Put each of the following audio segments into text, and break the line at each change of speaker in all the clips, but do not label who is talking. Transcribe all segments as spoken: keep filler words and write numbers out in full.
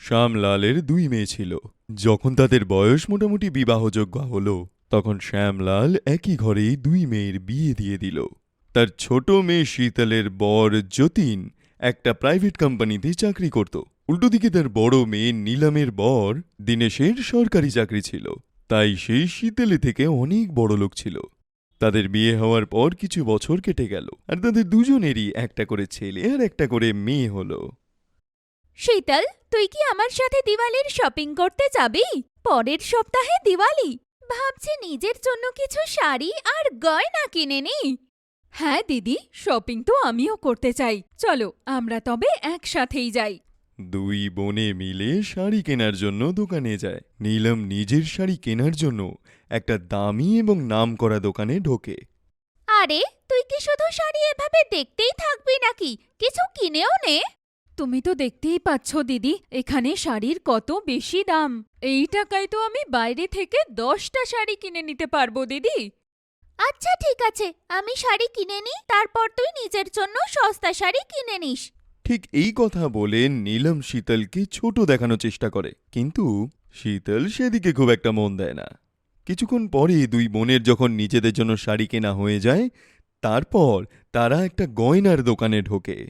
শ্যামলালের দুই মেয়ে ছিল। যখন তাদের বয়স মোটামুটি বিবাহযোগ্য হল, তখন শ্যামলাল একই ঘরেই দুই মেয়ের বিয়ে দিয়ে দিল। তার ছোট মেয়ে শীতলের বর যতীন একটা প্রাইভেট কোম্পানিতে চাকরি করত। উল্টোদিকে তার বড় মেয়ে নীলমের বর দীনেশের সরকারি চাকরি ছিল, তাই সেই শীতলে থেকে অনেক বড় লোক ছিল। তাদের বিয়ে হওয়ার পর কিছু বছর কেটে গেল, আর তাদের দুজনেরই একটা করে ছেলে আর একটা করে মেয়ে হলো।
শীতল, তুই কি আমার সাথে দিওয়ালির শপিং করতে যাবি? পরের সপ্তাহে দিওয়ালি। ভাবছি নিজের জন্য কিছু শাড়ি আর গয়না কিনে নি। হ্যাঁ দিদি, শপিং তো আমিও করতে চাই। চলো আমরা তবে একসাথেই যাই।
দুই বোনে মিলে শাড়ি কেনার জন্য দোকানে যায়। নীলম নিজের শাড়ি কেনার জন্য একটা দামি এবং নামকরা দোকানে ঢোকে।
আরে, তুই কি শুধু শাড়ি এভাবে দেখতেই থাকবি নাকি? কিছু কিনেও নে। তুমি তো দেখতেই পাচ্ছ দিদি, এখানে শাড়ির কত বেশি দাম। এই টাকায় তো আমি বাইরে থেকে দশটা শাড়ি কিনে নিতে পারবো দিদি। আচ্ছা ঠিক আছে, আমি শাড়ি কিনে নি, তারপর তুই নিজের জন্য সস্তা শাড়ি কিনে নিস।
ঠিক এই কথা বলে নীলম শীতলকে ছোট দেখানোর চেষ্টা করে, কিন্তু শীতল সেদিকে খুব একটা মন দেয় না। কিছুক্ষণ পরে দুই বোনের যখন নিজেদের জন্য শাড়ি কেনা হয়ে যায়, তারপর তারা একটা গয়নার দোকানে ঢোকে।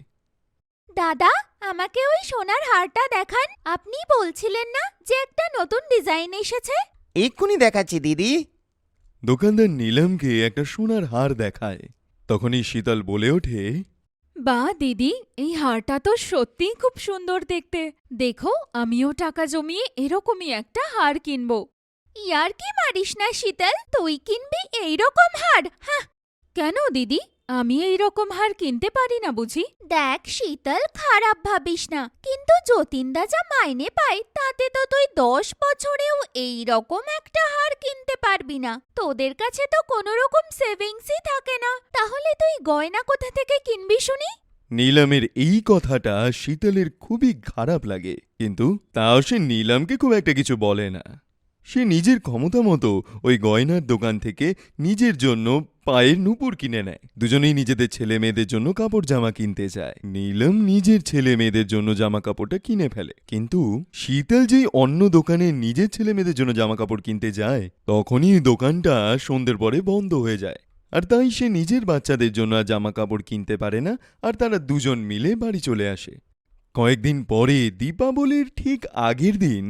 দাদা, আমাকে ওই সোনার হারটা দেখান। আপনি বলছিলেন না যে একটা নতুন ডিজাইন এসেছে?
এক্ষুনি দেখাচ্ছি দিদি।
দোকানদার নীলমকে একটা সোনার হার দেখায়। তখনই শীতল বলে ওঠে,
বাহ দিদি, এই হারটা তো সত্যিই খুব সুন্দর দেখতে। দেখো, আমিও টাকা জমিয়ে এরকমই একটা হার কিনবো। ইয়ার কি মারিস না শীতল, তুই কিনবি এইরকম হার? হ্যাঁ। কেন দিদি, আমি এইরকম হার কিনতে পারি না বুঝি? দেখ শীতল, খারাপ ভাবিস না, কিন্তু যতীনদা যা মাইনে পায় তাতে তো তুই দশ বছরেও এইরকম একটা হার কিনতে পারবি না। তোদের কাছে তো কোনো রকম সেভিংসই থাকে না, তাহলে তুই গয়না কোথা থেকে কিনবি শুনি?
নীলমের এই কথাটা শীতলের খুবই খারাপ লাগে, কিন্তু তাও সে নীলমকে খুব একটা কিছু বলে না। সে নিজের ক্ষমতা মতো ওই গয়নার দোকান থেকে নিজের জন্য পায়ের নুপুর কিনে নেয়। দুজনেই নিজেদের ছেলে মেয়েদের জন্য কাপড় জামা কিনতে যায়। নীলম নিজের ছেলে মেয়েদের জন্য জামা কাপড়টা কিনে ফেলে, কিন্তু শীতল যেই অন্য দোকানে নিজের ছেলে মেয়েদের জন্য জামা কাপড় কিনতে যায়, তখনই দোকানটা সন্ধ্যের পরে বন্ধ হয়ে যায়। আর তাই সে নিজের বাচ্চাদের জন্য আর জামা কাপড় কিনতে পারে না, আর তারা দুজন মিলে বাড়ি চলে আসে। কয়েকদিন পরে দীপাবলির ঠিক আগের দিন।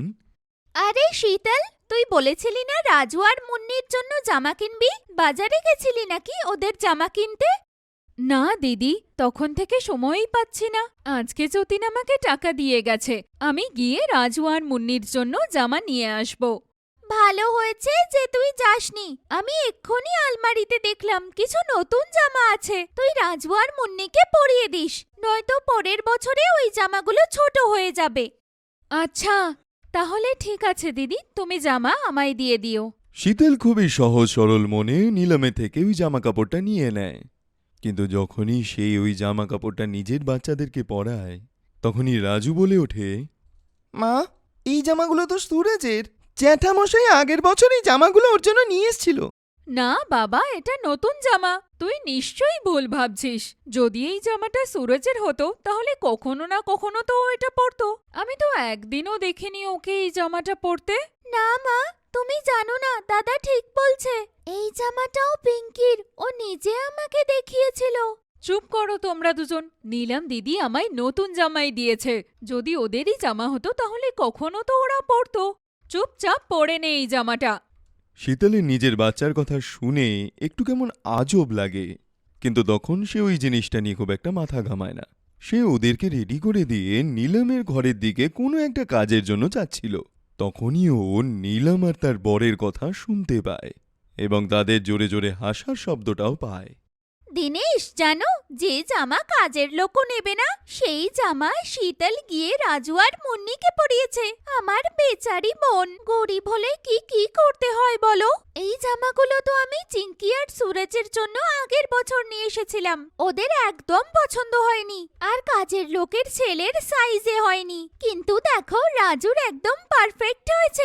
আরে শীতল, তুই বলেছিলি না রাজু আর মুন্নির জন্য জামা কিনবি? বাজারে গেছিলি নাকি ওদের জামা কিনতে? না দিদি, তখন থেকে সময়ই পাচ্ছি না। আজকে যতীন আমাকে টাকা দিয়ে গেছে, আমি গিয়ে রাজু আর মুন্নির জন্য জামা নিয়ে আসব। ভালো হয়েছে যে তুই যাসনি। আমি এক্ষুনি আলমারিতে দেখলাম কিছু নতুন জামা আছে। তুই রাজু আর মুন্নিকে পরিয়ে দিস, নয়তো পরের বছরে ওই জামাগুলো ছোট হয়ে যাবে। আচ্ছা, তাহলে ঠিক আছে দিদি, তুমি জামা আমায় দিয়ে দিও।
শীতল খুবই সহজ সরল মনে নীলমে থেকে ওই জামা কাপড়টা নিয়ে নেয়, কিন্তু যখনই সে ওই জামা কাপড়টা নিজের বাচ্চাদেরকে পরায়, তখনই রাজু বলে ওঠে,
মা, এই জামাগুলো তো সুরজের। জ্যাঠামশাই আগের বছর এই জামাগুলো ওর জন্য নিয়ে এসেছিল।
না বাবা, এটা নতুন জামা। তুই নিশ্চয়ই ভুল ভাবছিস। যদি এই জামাটা সুরজের হতো তাহলে কখনো না কখনো তো ও এটা পরতো। আমি তো একদিনও দেখিনি ওকে এই জামাটা পরতে। না মা, তুমি জানো না, দাদা ঠিক বলছে। এই জামাটাও পিঙ্কির, ও নিজে আমাকে দেখিয়েছিল। চুপ করো তোমরা দুজন। নীলম দিদি আমায় নতুন জামাই দিয়েছে। যদি ওদেরই জামা হতো তাহলে কখনো তো ওরা পরতো। চুপচাপ পরে নে এই জামাটা।
শীতলের নিজের বাচ্চার কথা শুনে একটু কেমন আজব লাগে, কিন্তু তখন সে ওই জিনিসটা নিয়ে খুব একটা মাথা ঘামায় না। সে ওদেরকে রেডি করে দিয়ে নীলমের ঘরের দিকে কোনো একটা কাজের জন্য যাচ্ছিল। তখনই ও নীলম আর তার বরের কথা শুনতে পায়, এবং তাদের জোরে জোরে হাসার শব্দটাও পায়।
দিনেশ, জানো, যে জামা কাজের লোকও নেবে না সেই জামা শীতল গিয়ে রাজু আর মুন্নিকে পরিয়েছে। আমার বেচারি বোন, গরিব হলে কি কি করতে হয় বলো। এই জামাগুলো তো আমি চিঙ্কি আর সুরজের জন্য আগের বছর নিয়ে এসেছিলাম। ওদের একদম পছন্দ হয়নি, আর কাজের লোকের ছেলের সাইজে হয়নি। কিন্তু দেখো, রাজুর একদম পারফেক্ট হয়েছে।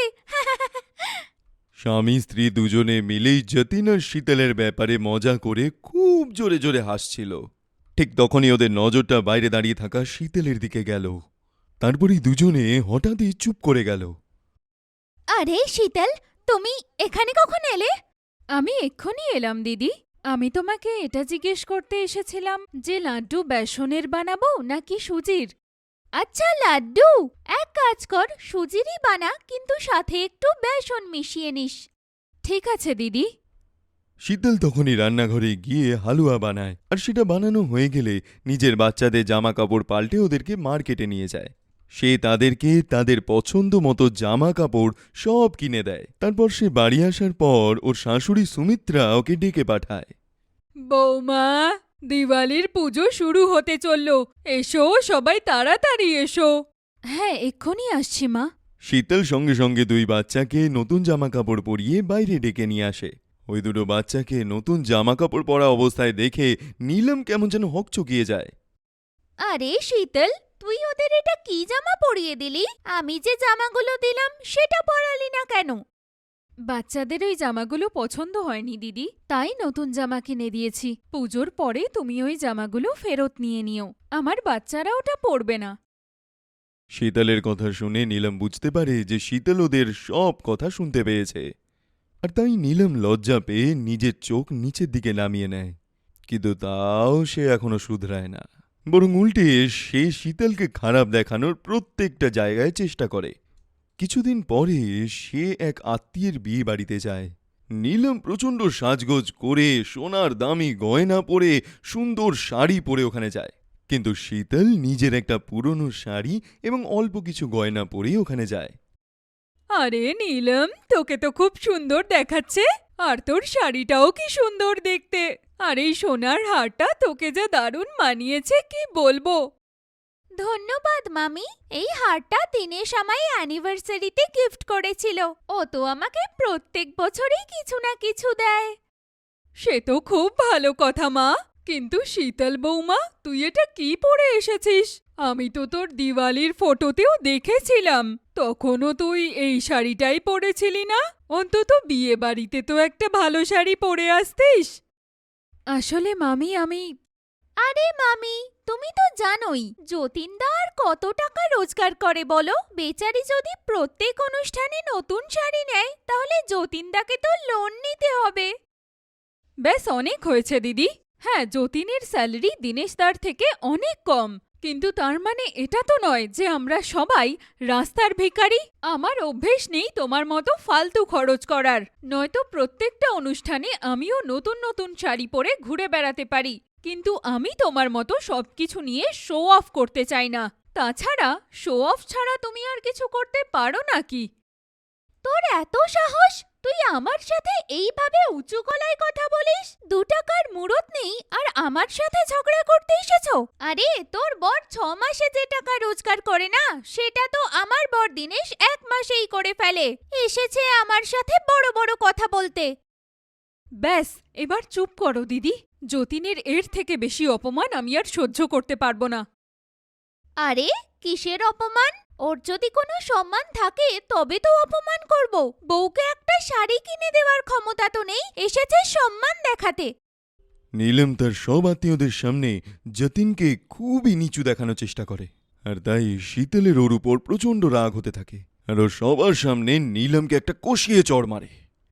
স্বামী স্ত্রী দুজনে মিলেই যতীন আর শীতলের ব্যাপারে মজা করে খুব জোরে জোরে হাসছিল। ঠিক তখনই ওদের নজরটা বাইরে দাঁড়িয়ে থাকা শীতলের দিকে গেল। তারপরেই দুজনে হঠাৎই চুপ করে গেল।
আরে শীতল, তুমি এখানে কখন এলে? আমি এক্ষুনি এলাম দিদি। আমি তোমাকে এটা জিজ্ঞেস করতে এসেছিলাম যে লাড্ডু বেসনের বানাবো নাকি সুজির। আচ্ছা লাড্ডু, এক কাজ কর, সুজিরই বানা, কিন্তু সাথে একটু বেসন মিশিয়ে নিস। ঠিক আছে দিদি।
শীতল তখনই রান্নাঘরে গিয়ে হালুয়া বানায়, আর সেটা বানানো হয়ে গেলে নিজের বাচ্চাদের জামা কাপড় পাল্টে ওদেরকে মার্কেটে নিয়ে যায়। সে তাদেরকে তাদের পছন্দ মতো জামা কাপড় সব কিনে দেয়। তারপর সে বাড়ি আসার পর ওর শাশুড়ি সুমিত্রা ওকে ডেকে পাঠায়।
বৌমা, দিওয়ালির পুজো শুরু হতে চলল, এসো সবাই তাড়াতাড়ি এসো। হ্যাঁ, এক্ষুনি আসছি মা।
শীতল সঙ্গে সঙ্গে দুই বাচ্চাকে নতুন জামা কাপড় পরিয়ে বাইরে ডেকে নিয়ে আসে। ওই দুটো বাচ্চাকে নতুন জামা কাপড় পরা অবস্থায় দেখে নীলম কেমন যেন হকচকিয়ে যায়।
আরে শীতল, তুই ওদের এটা কি জামা পরিয়ে দিলি? আমি যে জামাগুলো দিলাম সেটা পরালি না কেন? বাচ্চাদের ওই জামাগুলো পছন্দ হয়নি দিদি, তাই নতুন জামা কিনে দিয়েছি। পুজোর পরে তুমি ওই জামাগুলো ফেরত নিয়ে নিও, আমার বাচ্চারা ওটা পরবে না।
শীতলের কথা শুনে নীলম বুঝতে পারে যে শীতল ওদের সব কথা শুনতে পেয়েছে, আর তাই নীলম লজ্জা পেয়ে নিজের চোখ নিচের দিকে নামিয়ে নেয়। কিন্তু তাও সে এখনো শুধরায় না, বরং উল্টে সে শীতলকে খারাপ দেখানোর প্রত্যেকটা জায়গায় চেষ্টা করে। কিছুদিন পরে সে এক আত্মীয়ের বিয়ে বাড়িতে যায়। নীলম প্রচণ্ড সাজগোজ করে সোনার দামি গয়না পরে সুন্দর শাড়ি পরে ওখানে যায়, কিন্তু শীতল নিজের একটা পুরনো শাড়ি এবং অল্প কিছু গয়না পরে ওখানে যায়।
আরে নীলম, তোকে তো খুব সুন্দর দেখাচ্ছে, আর তোর শাড়িটাও কি সুন্দর দেখতে, আর এই সোনার হারটা তোকে যা দারুণ মানিয়েছে কি বলবো। ধন্যবাদ মামি, এই হারটা দিনেশ আমায় অ্যানিভার্সারিতে গিফট করেছিল। ও তো আমাকে প্রত্যেক বছরই কিছু না কিছু দেয়। সে তো খুব ভালো কথা মা, কিন্তু শীতল বৌমা, তুই এটা কি পরে এসেছিস? আমি তো তোর দিওয়ালির ফটোতেও দেখেছিলাম, তখনও তুই এই শাড়িটাই পরেছিলি না? অন্তত বিয়ে বাড়িতে তো একটা ভালো শাড়ি পরে আসতিস। আসলে মামি আমি আরে মামি, তুমি তো জানোই যতীনদা আর কত টাকা রোজগার করে বলো। বেচারি যদি প্রত্যেক অনুষ্ঠানে নতুন শাড়ি নেয়, তাহলে যতীনদাকে তো লোন নিতে হবে। ব্যাস অনেক হয়েছে দিদি। হ্যাঁ, যতীনের স্যালারি দিনেশদার থেকে অনেক কম, কিন্তু তার মানে এটা তো নয় যে আমরা সবাই রাস্তার ভিখারি। আমার অভ্যেস নেই তোমার মতো ফালতু খরচ করার, নয়তো প্রত্যেকটা অনুষ্ঠানে আমিও নতুন নতুন শাড়ি পরে ঘুরে বেড়াতে পারি, কিন্তু আমি তোমার মতো সবকিছু নিয়ে শো অফ করতে চাই না। তাছাড়া শো অফ ছাড়া তুমি আর কিছু করতে পারো নাকি? তোর এত সাহস, তুই আমার সাথে এইভাবে উঁচু গলায় কথা বলিস? দু টাকার মুরত নেই আর আমার সাথে ঝগড়া করতে এসেছো? আরে তোর বর ছ মাসে যে টাকা রোজগার করে না, সেটা তো আমার বর দিনেশ এক মাসেই করে ফেলে। এসেছে আমার সাথে বড় বড় কথা বলতে। ব্যাস, এবার চুপ করো দিদি। যতীনের এর থেকে বেশি অপমান আমি আর সহ্য করতে পারবো না। আরে কিসের অপমান? ওর যদি কোনো সম্মান থাকে তবে তো অপমান করব। বউকে একটা শাড়ি কিনে দেওয়ার ক্ষমতা তো নেই, এসেছে সম্মান দেখাতে।
নীলম তার সব আত্মীয়দের সামনে যতীনকে খুবই নিচু দেখানোর চেষ্টা করে, আর তাই শীতলের ওর উপর প্রচণ্ড রাগ হতে থাকে, আর ও সবার সামনে নীলমকে একটা কষিয়ে চড় মারে।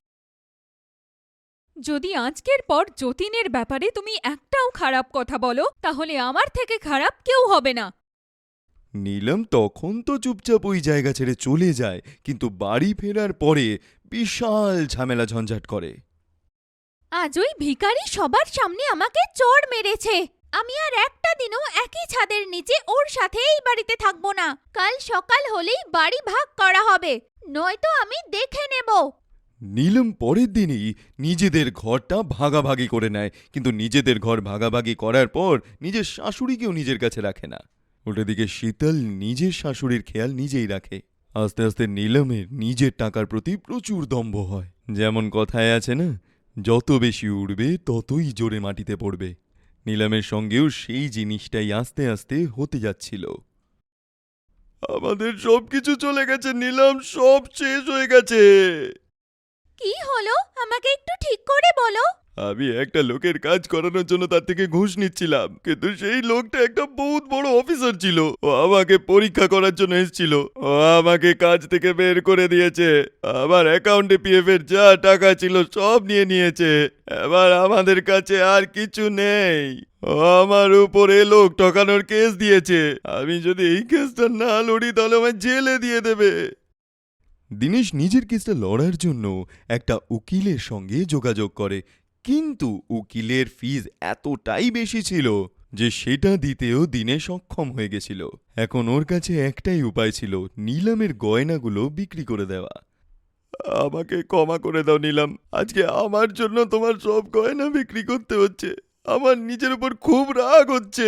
যদি আজকের পর যতীনের ব্যাপারে তুমি একটাও খারাপ কথা বলো, তাহলে আমার থেকে খারাপ কেউ হবে না।
নীলম তখন তো চুপচাপ ওই জায়গা ছেড়ে চলে যায়, কিন্তু বাড়ি ফেরার পরে বিশাল ঝামেলা ঝঞ্ঝাট করে।
আজ ওই ভিখারি সবার সামনে আমাকে চড় মেরেছে। আমি আর একটা দিনও একই ছাদের নিচে ওর সাথে এই বাড়িতে থাকবো না। কাল সকাল হলেই বাড়ি ভাগ করা হবে, নয়তো আমি দেখে নেব।
নীলম পরের দিনই নিজেদের ঘরটা ভাগাভাগি করে নেয়, কিন্তু নিজেদের ঘর ভাগাভাগি করার পর নিজের শাশুড়িকেও নিজের কাছে রাখে না। ওটা দিকে শীতল নিজের শাশুড়ির খেয়াল নিজেই রাখে। আস্তে আস্তে নীলমের নিজের টাকার প্রতি প্রচুর দম্ভ হয়। যেমন কথায় আছে না, যত বেশি উড়বে ততই জোরে মাটিতে পড়বে। নীলমের সঙ্গেও সেই জিনিসটাই আস্তে আস্তে হতে যাচ্ছিল। আমাদের সবকিছু চলে গেছে নীলম, সব শেষ হয়ে গেছে।
কি হলো আমাকে একটু ঠিক করে বলো।
আমি একটা লোকের কাজ করানোর জন্য তার থেকে ঘুষ নিচ্ছিলাম, কিন্তু সেই লোকটা একটা বহুত বড় অফিসার ছিল। ও আমাকে পরীক্ষা করার জন্য এসেছিল। ও আমাকে কাজ থেকে বের করে দিয়েছে। আমার অ্যাকাউন্টে পিএফ এর যা টাকা ছিল সব নিয়ে নিয়েছে। এবার আমাদের কাছে আর কিছু নেই। ও আমার উপরে লোক ঠকানোর কেস দিয়েছে। আমি যদি এই কেসটা না লড়ি তাহলে আমায় জেলে দিয়ে দেবে। দিনেশ নিজের কেসটা লড়ার জন্য একটা উকিলের সঙ্গে যোগাযোগ করে, কিন্তু উকিলের ফিজ এতটাই বেশি ছিল যে সেটা দিতেও দিনে সক্ষম হয়ে গেছিল। এখন ওর কাছে একটাই উপায় ছিল, নিলামের গয়নাগুলো বিক্রি করে দেওয়া। আমাকে ক্ষমা করে দাও নিলাম, আজকে আমার জন্য তোমার সব গয়না বিক্রি করতে হচ্ছে। আমার নিজের উপর খুব রাগ হচ্ছে।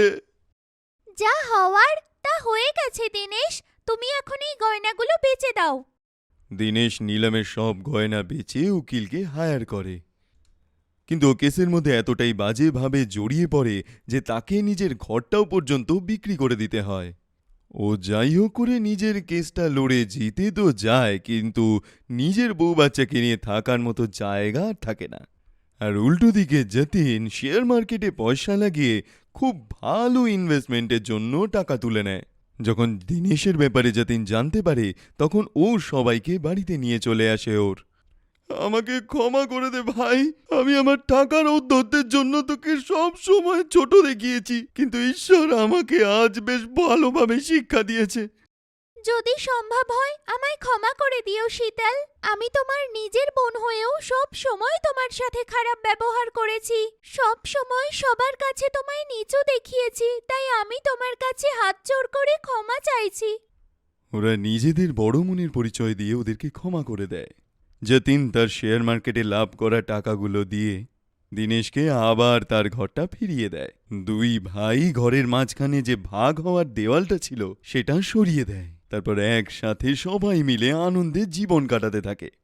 যা হওয়ার তা হয়ে গেছে দিনেশ, তুমি এখন এই গয়নাগুলো বেচে দাও।
দিনেশ নিলামের সব গয়না বেচে উকিলকে হায়ার করে, কিন্তু ও কেসের মধ্যে এতটাই বাজেভাবে জড়িয়ে পড়ে যে তাকে নিজের ঘরটাও পর্যন্ত বিক্রি করে দিতে হয়। ও যাই হোক করে নিজের কেসটা লড়ে জিতে তো যায়, কিন্তু নিজের বউ বাচ্চাকে নিয়ে থাকার মতো জায়গা আর থাকে না। আর উল্টো দিকে যতীন শেয়ার মার্কেটে পয়সা লাগিয়ে খুব ভালো ইনভেস্টমেন্টের জন্য টাকা তুলে নেয়। যখন দিনেশের ব্যাপারে যতীন জানতে পারে, তখন ও সবাইকে বাড়িতে নিয়ে চলে আসে ওর। আমাকে ক্ষমা করে দে ভাই, আমি আমার টাকার ঔদ্ধত্যের জন্য তোকে সব সময় ছোট দেখিয়েছি, কিন্তু ঈশ্বর আমাকে আজ বেশ ভালোভাবে শিক্ষা দিয়েছে।
যদি সম্ভব হয় আমায় ক্ষমা করে দিও শীতল। আমি তোমার নিজের বোন হয়েও সব সময় তোমার সাথে খারাপ ব্যবহার করেছি, সব সময় সবার কাছে তোমায় নিচু দেখিয়েছি, তাই আমি তোমার কাছে হাত জোড় করে ক্ষমা চাইছি।
ওরা নিজেদের বড় মনের পরিচয় দিয়ে ওদেরকে ক্ষমা করে দেয়। যতীন তার শেয়ার মার্কেটে লাভ করা টাকাগুলো দিয়ে দিনেশকে আবার তার ঘরটা ফিরিয়ে দেয়। দুই ভাই ঘরের মাঝখানে যে ভাগ হওয়ার দেওয়ালটা ছিল সেটা সরিয়ে দেয়। তারপর একসাথে সবাই মিলে আনন্দে জীবন কাটাতে থাকে।